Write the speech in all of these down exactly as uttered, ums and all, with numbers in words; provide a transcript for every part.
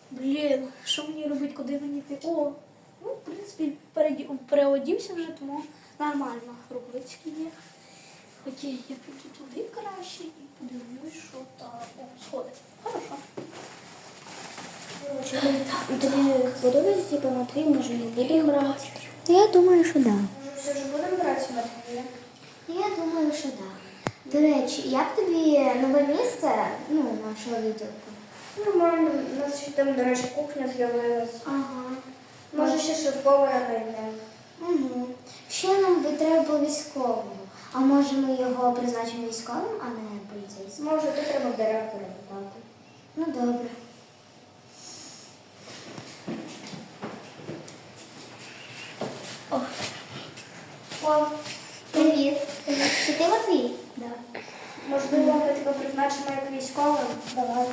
Блін, що мені робити, куди мені йти? О, ну, в принципі, переді- переодівся вже, тому нормально. Рукавички є. Хоча я піду туди краще і подивлюсь, що там. О, сходи. Хорошо. Тобі подобається типу, Матвій, може не будемо брати? Я думаю, що да. Все ж будемо брати Матвія? Я думаю, що так. До речі, як тобі нове місце, ну, нашого відділку? Нормально. У нас ще там, до речі, кухня з'явилась. Ага. Може, ще шеф-повара знайдемо. Угу. Ще нам би треба по військовому. А може ми його призначимо військовим, а не поліцейським? Може, то треба в директора питати. Ну, добре. О, О, привіт. Чи ти Матвій? да. Можливо, ми тебе призначимо як військовим? Давай.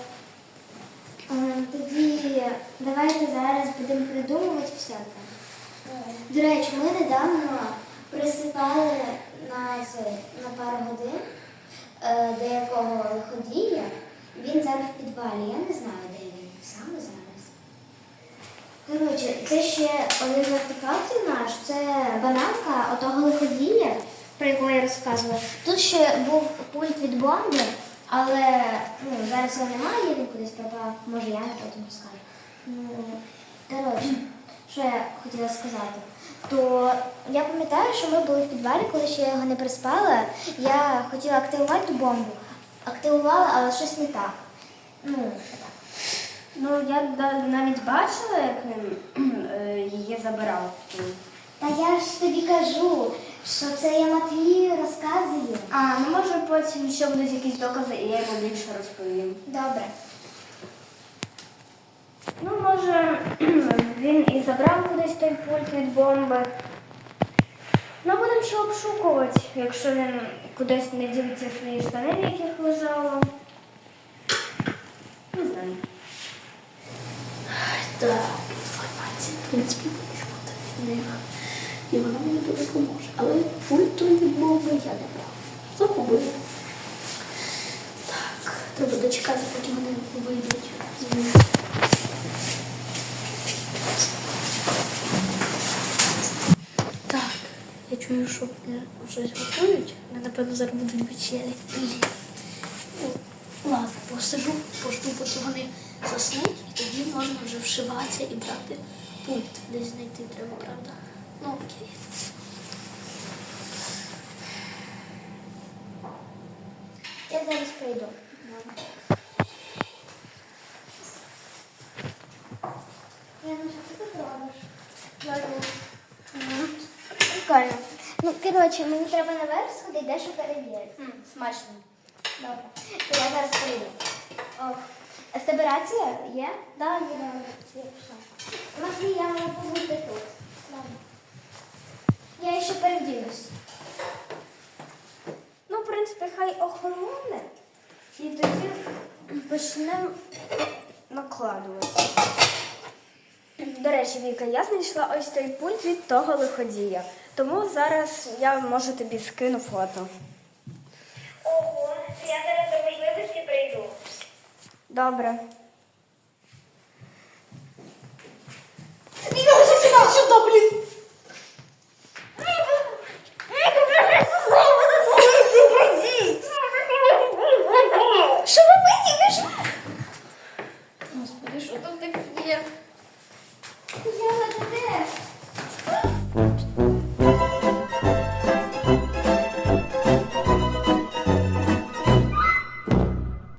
Тоді давайте зараз будемо придумувати всяке. До речі, ми недавно присипали на, це, на пару годин е, деякого лиходія. Він зараз в підвалі. Я не знаю, де він саме зараз. Коротше, це ще один з артефактів наш. Це бананка отого лиходія, про якого я розказувала. Тут ще був пульт від бомби, але ну, зараз його немає, він кудись пропав. Може, я потім розкажу. Ну, коротше, що я хотіла сказати. То я пам'ятаю, що ми були в підвалі, коли ще я його не приспала. Я хотіла активувати ту бомбу. Активувала, але щось не так. Ну, так. Ну, я навіть бачила, як він е, її забирав. Та я ж тобі кажу, що це я Матвію розказую. А, ну може потім ще будуть якісь докази, і я йому більше розповім. Добре. Ну, може, він і забрав кудись той пульт від бомби. Ну, будемо ще обшукувати, якщо він кудись не дів ці свої штани, в яких лежало. Не знаю. Так, інформація, в принципі, може бути в них. І вона мені дуже допоможе. Але пульт той від бомби я не брав. Загубив. Так, треба дочекати, поки вони вийдуть з них. Так, я чую, що вони щось готують. Вони, напевно, зараз будуть вечері. Ну, ладно, посижу, пожду, поки вони заснуть, і тоді можна вже вшиватися і брати пункт. Десь знайти треба, правда? Ну окей. Я зараз прийду. Я ну що ти тут робиш? Прикольно. Ну, коротше, мені треба наверх сходити, дещо перевірити. Смачно. Добре. То я зараз прийду. Ох. А в тебе рація є? Да, ні, да, я пішла. Матвій, я можу побути тут. Ладно. Я ще переділюсь. Ну, в принципі, хай охолоне, і тоді почнемо накладувати. До речі, Віка, я знайшла ось той пульт від того лиходія. Тому зараз я можу тобі скину фото. Ого, я зараз до можливості прийду. Добре. Сюди, блін! Що робити? Господи, що там таке є? Я туди.